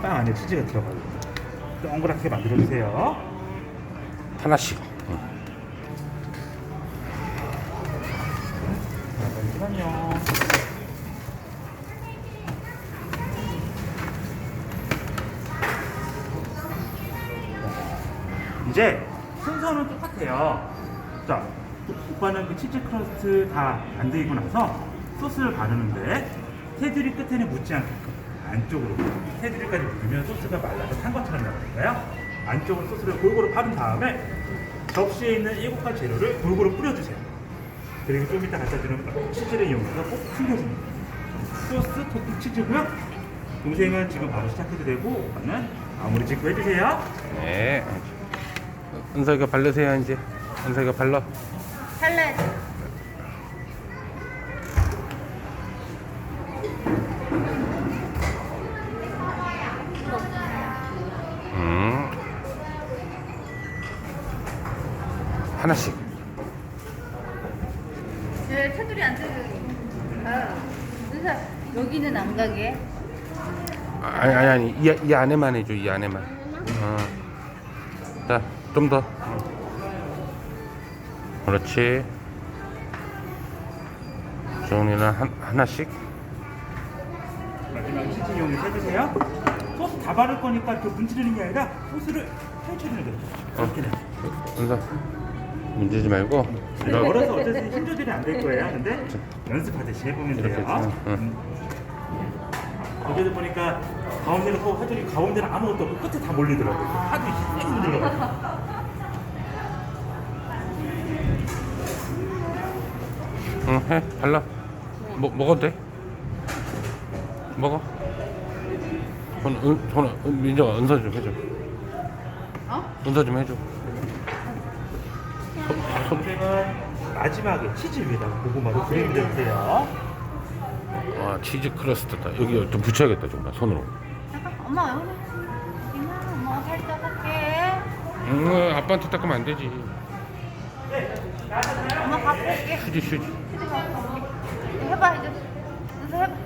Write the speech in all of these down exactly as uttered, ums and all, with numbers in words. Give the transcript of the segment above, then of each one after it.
빵 안에 치즈가 들어가요. 동그랗게 만들어주세요. 하나씩. 응. 잠시만요. 이제 순서는 똑같아요. 자, 오빠는 그 치즈 크러스트 다 만들고 나서 소스를 바르는데 테두리 끝에는 묻지 않게끔 안쪽으로 테두리까지 묻으면 소스가 말라서 탄 것처럼 나오니까요. 안쪽으로 소스를 골고루 바른 다음에 접시에 있는 일곱 가지 재료를 골고루 뿌려주세요. 그리고 좀 이따 갖다 주는 치즈를 이용해서 꼭 숨겨줍니다. 소스 토핑 치즈고요. 동생은 지금 바로 시작해도 되고 오빠는 마무리 짓고 해주세요. 네. 은서이가 바르세요 이제. 은서이가 발라. 잘라야지. 음. 하나씩. 네, 테두리 안 뜯어요. 아, 그래서 여기는 안 가게. 아니 아니 아니 이, 이 안에만 해줘. 이 안에만. 어. 자, 좀 더. 그렇지. 정리는 한, 하나씩. 마지막에 치즈 이용해서 해주세요. 소스 다 바를 거니까 이렇게 문지르는 게 아니라 소스를 펼쳐주는 거예요. 이렇게 돼. 은서 문지지 말고. 얼어서 어쩔 수 없이 힘 조절이 안 될 거예요. 근데 연습하듯이 해보면 이렇게 돼요. 해서, 응. 음. 어제도 보니까 가운데는 또 하더니 가운데는 아무것도 없고 끝에 다 몰리더라고요. 하도 힘이 힘들어가지고. 응, 해. 발라. 뭐, 먹어도 돼. 먹어. 손, 은, 손, 은, 민정아, 은서 좀 해줘. 어? 은서 좀 해줘. 선생은 마지막에 치즈 위에다가 고구마를 그리고 내주세요. 와, 치즈 크러스트다. 여기 좀 붙여야겠다, 정말, 손으로. 잠깐, 엄마 여기. 이마, 엄마 살짝 할게. 응, 아빠한테 닦으면 안 되지. 엄마 갖고 올게. 휴지, 휴지. 치즈 갖고 올게. 이제 해봐 이제. 이제 해봐.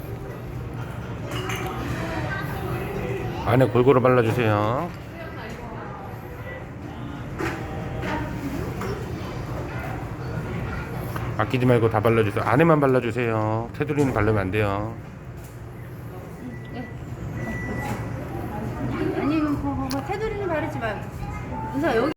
안에 골고루 발라주세요. 아끼지 말고 다 발라주세요. 안에만 발라주세요. 테두리는 바르면 안 돼요. 아니, 그거, 그거 테두리는 바르지 말고. 은서 여기.